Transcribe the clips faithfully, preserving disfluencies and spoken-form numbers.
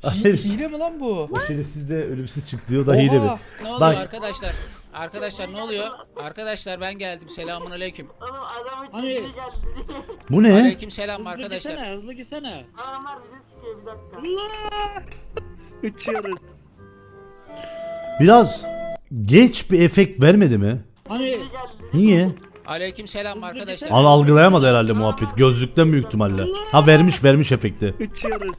Hayır. Hile mi lan bu? O şerefsiz de ölümsüz çıktı diyor da hile mi? Oha! Ne oluyor Bak. arkadaşlar? Arkadaşlar ne oluyor? Arkadaşlar ben geldim. Selamun aleyküm. Hani Bu ne? Aleyküm selam arkadaşlar. hızlı gitsene. Uçuyoruz. Biraz geç bir efekt vermedi mi? Hani Niye? Aleyküm selam arkadaşlar. Al algılayamadı herhalde muhabbet. Gözlükten büyük ihtimalle. Ha vermiş vermiş efekti. Uçuyoruz.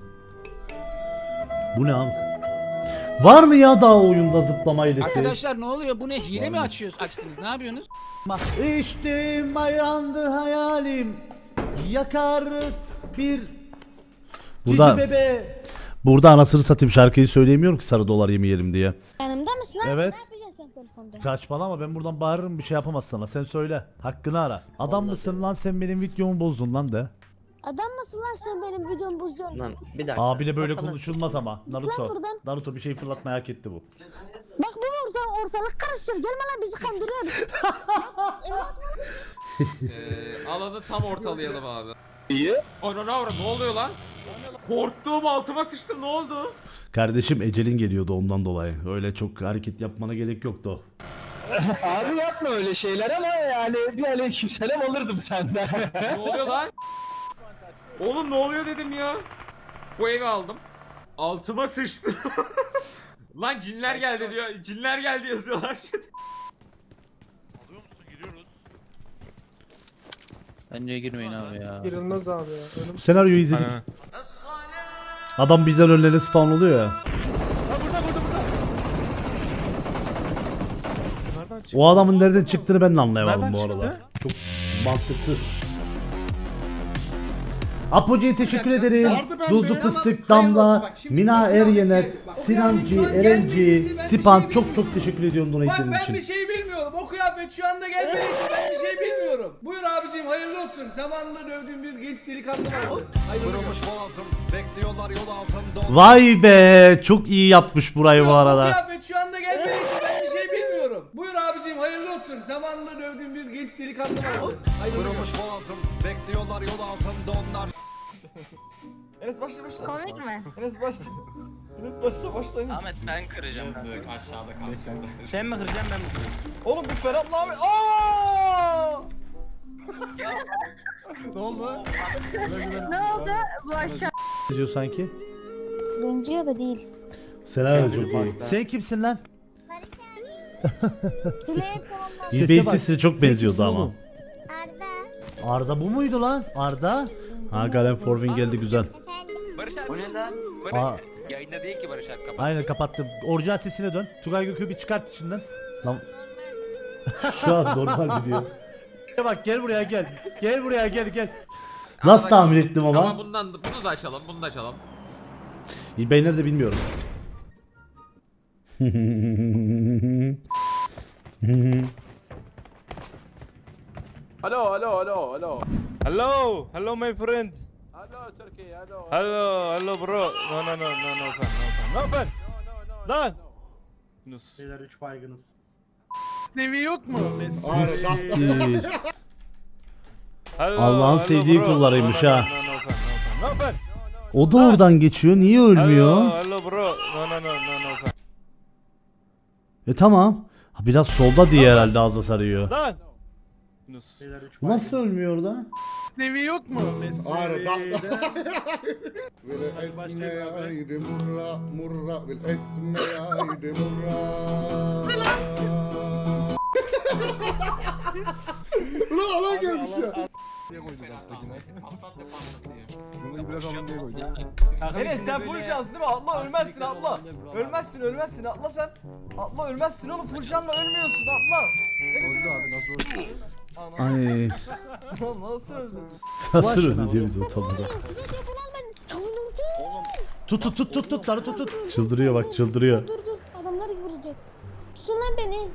Bu ne abi? Var mı ya daha oyunda zıplama hilesi? Arkadaşlar ne oluyor? Bu ne? Hile mi açıyorsunuz? Açtınız. Ne yapıyorsunuz? İçtim ayandı hayalim. Yakar bir Burada- Burada bebe. Burada anasını satayım şarkıyı söyleyemiyorum ki sarı dolar yemeyelim diye. Yanımda mısın abi? Evet. Ne yapacaksın sen telefonda? Saçmalama ben buradan bağırırım bir şey yapamaz sana. Sen söyle. Hakkını ara. Adam mısın lan sen benim videomu bozdun lan de. Adam mısın lan sen benim videomu bozuyorsun? Lan bir dakika. Abiyle böyle konuşulmaz ama. Naruto. buradan. Naruto bir şey fırlatmayı hak etti bu. Bak bu orta, ortalık karıştır. Gelme lan bizi kandırıyorsun. Ee, alanı tam ortalayalım abi. İyi. Ona ne var? Ne oluyor lan? Korktuğum altıma sıçtım ne oldu? Kardeşim ecelin geliyordu ondan dolayı. Öyle çok hareket yapmana gerek yoktu. Abi yapma öyle şeyler ama yani bir aleykümselam alırdım senden. Ne oluyor lan? Oğlum ne oluyor dedim ya. Bu evi aldım. Altıma sıçtı. Lan cinler geldi diyor. Cinler geldi yazıyorlar. Alıyor musun? Giriyoruz. Bence girmeyin abi ya. Girilmez abi ya. Ölüm. Senaryoyu izledik. Adam birden önlerine spawn oluyor ya. Ha burada burada burada. Nereden çıktı? O adamın nereden çıktığını ben de anlayamadım Nereden bu çıktı? aralar. Çok mantıksız. Apocu'ya teşekkür ederim. Vardı bende. Duzlu Tamam, Fıstık, hayırlı olsun. Damla, Bak şimdi Mina okuyan Eryener, bir- bak, Sinancı, okuyan bir- Erenci, ben bir Sipan şey çok çok teşekkür ediyorum donatelerin ben için. bir şey bilmiyorum. O kıyafet şu anda gelmediyse ben bir şey bilmiyorum. Buyur abicim hayırlı olsun. Zamanında dövdüğüm bir genç delikanlı vardı. Hayırlı olsun. Vay be çok iyi yapmış burayı bu O arada. kıyafet şu anda gelmediyse ben bir şey bilmiyorum. Buyur abicim hayırlı olsun. Zamanında dövdüğüm bir genç delikanlı vardı. Hayırlı olsun. Enes başla başla. Komik mi? Enes başla. Enes başla başla Enes. Ahmet ben kıracağım. Aşağıda kalsın. Sen mi kıracaksın ben mi kıracağım? Oğlum bu Ferhat'la abi. Aaaa! Ne oldu? Ne oldu? Bu aşağı. Diyor sanki. Benziyor da değil. Senaryo çok iyi. Sen kimsin lan? Sile sonunda. İlbeğin sesine çok benziyordu ama. Arda. Arda bu muydu lan? Arda? Ha Galen Forvin geldi güzel. Barış abi. O ne lan? Aa, Yayında değil ki Barış abi kapat. aynen kapattım. Orijinal sesine dön. Tugay Gökü bir çıkart içinden. Lan. Şu an normal gidiyor. Bak gel buraya gel. Gel buraya gel gel. Nasıl tahmin ettim ama? Ama bundan bunu da açalım, bunu da açalım. İlbey nerede bilmiyorum. Alo alo alo alo. Hello, hello my friend. Alo Türkiye alo. Hello, hello bro. No no no no no fan, no fan. No fan. Lan. Yunus. Beyler üç baygınız. Seviye yok mu? İyi. Hello, Allah'ın hello sevdiği bro. kullarıymış No, no, ha. No no no fan, no fan. No fan. O da oradan geçiyor. Niye ölmüyor? Hello, hello bro. No no no no no fan. E tamam. Ha, biraz solda diye herhalde ağza sarıyor. Lan. Yunus. Beyler üç Nasıl ölmüyor orada? Seviye yok mu? Arda. والاسم عيد مرة مرة والاسم عيد مرة Ulan alan gelmiş ya. Enes sen full cans değil mi? Atla ölmezsin atla. Ölmezsin ölmezsin atla sen. Atla ölmezsin oğlum full canla ölmüyorsun atla. Evet abi nasıl öldü? Ay. Nasıl öldü? Nasıl öldü diye bir de utandı. Size diyor bunu al ben. Kavunum Tut tut tut tut tut tut tut. Çıldırıyor bak çıldırıyor. dur dur. Adamlar vuracak. Tutun lan beni.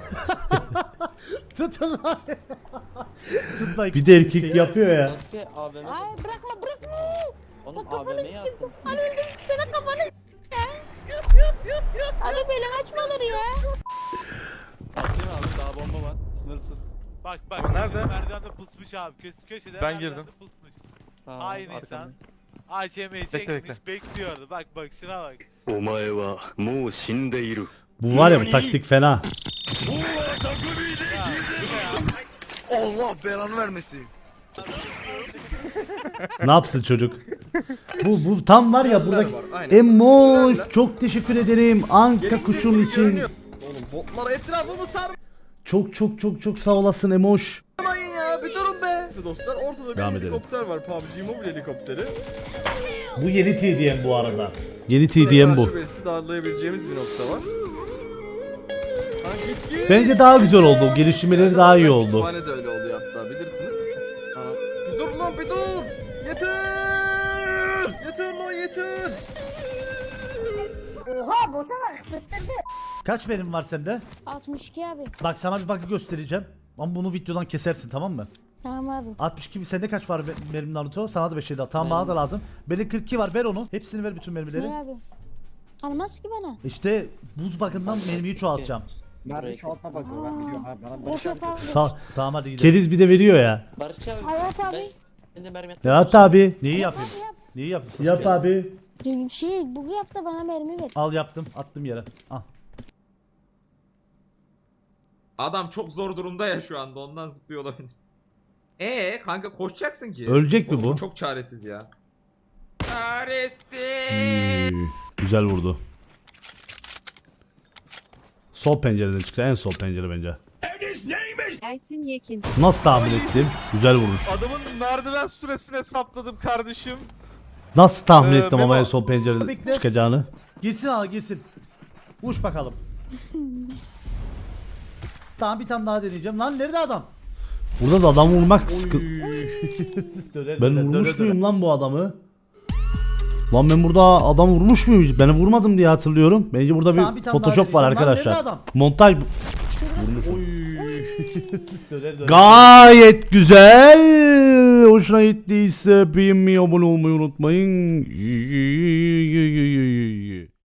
Tutun lan. Tut lan. Bir de erkek yapıyor ya. Ay bırakma bırakma. Oğlum kafanı s**tim. Hani öldüm sana kafanı s**tim. Abi böyle açmaları ya. Daha bomba var. Sınırsız. Bak bak nerede? Merdivende pusmuş abi. Köşe, köşede Ben merdivende girdim. pusmuş. Tamam, Aynı arkamda. insan. A C M'yi Bekle, çekmiş bekle. bekliyordu. Bak bak şuna bak. Bu var ya bu taktik fena. Ya, bu ne ya? Allah belanı vermesin. Ne yapsın çocuk? Bu bu tam var ya buradaki var, aynen. Emoş çok teşekkür ederim Anka kuşun için. Görünüyor. Oğlum botlar etrafımı sarmayın Çok çok çok çok sağ olasın Emoş. ya bir durun be. Dostlar ortada bir Devam edelim. helikopter var, P U B G Mobile helikopteri. Bu yeni T D M bu arada. Yeni T D M bu. Karşı birisi darlayabileceğimiz bir nokta var. Ha, git git. Bence daha güzel oldu. Gelişmeleri daha iyi oldu. Kütüphane de öyle oluyor hatta bilirsiniz. Ha, bir dur lan bir dur. Yeter. Yeter lan yeter. Oha bota bak fıttırdı. Kaç benim var sende? altmış iki abi. Bak sana bir bug'ı göstereceğim. Ama bunu videodan kesersin tamam mı? Tamam abi. altmış iki sende kaç var be- benim Naruto? Sana da beş şey daha. Tamam bana da lazım. Bende kırk iki var ver onu. Hepsini ver bütün mermileri. Ne abi? Almaz ki bana. İşte buz bug'ından mermiyi çoğaltacağım. Mermi çoğaltma bakıyor ben biliyorum abi. Bana Yok Barış yok abi. abi. Sağ, tamam hadi gidelim. Keriz bir de veriyor ya. Barış abi. Hayat abi. Ben de mermi Ya abi. Neyi Yap yapayım? abi yap. Neyi yapayım? Yap abi. Şey bu yap da bana mermi ver. Al yaptım. Attım yere. Al. Adam çok zor durumda ya şu anda ondan zıplıyor olabilir. Ee kanka koşacaksın ki. Ölecek mi Oğlum, bu? Çok çaresiz ya. Çaresiz. Hmm, güzel vurdu. Sol pencereden çıktı. En sol pencere bence. Ersin Yekin. Nasıl tahmin ettim? Güzel vuruş. Adamın merdiven süresini hesapladım kardeşim. Nasıl tahmin Ee, ettim ama Memo. en sol pencereden Bekle. çıkacağını? Girsin al girsin. Uç bakalım. Tamam bir tane daha deneyeceğim. Lan nerede adam? Burada da adam vurmak sıkıntı. Ben vurmuş muyum lan bu adamı? Lan ben burada adam vurmuş muyum? Ben vurmadım diye hatırlıyorum. Bence burada bir Tamam, bir tane daha Photoshop var deneyeceğim. Lan nerede arkadaşlar. adam? Montaj bu. Döner döner. Gayet güzel. Hoşuna gittiyse beğenmeyi, abone olmayı unutmayın.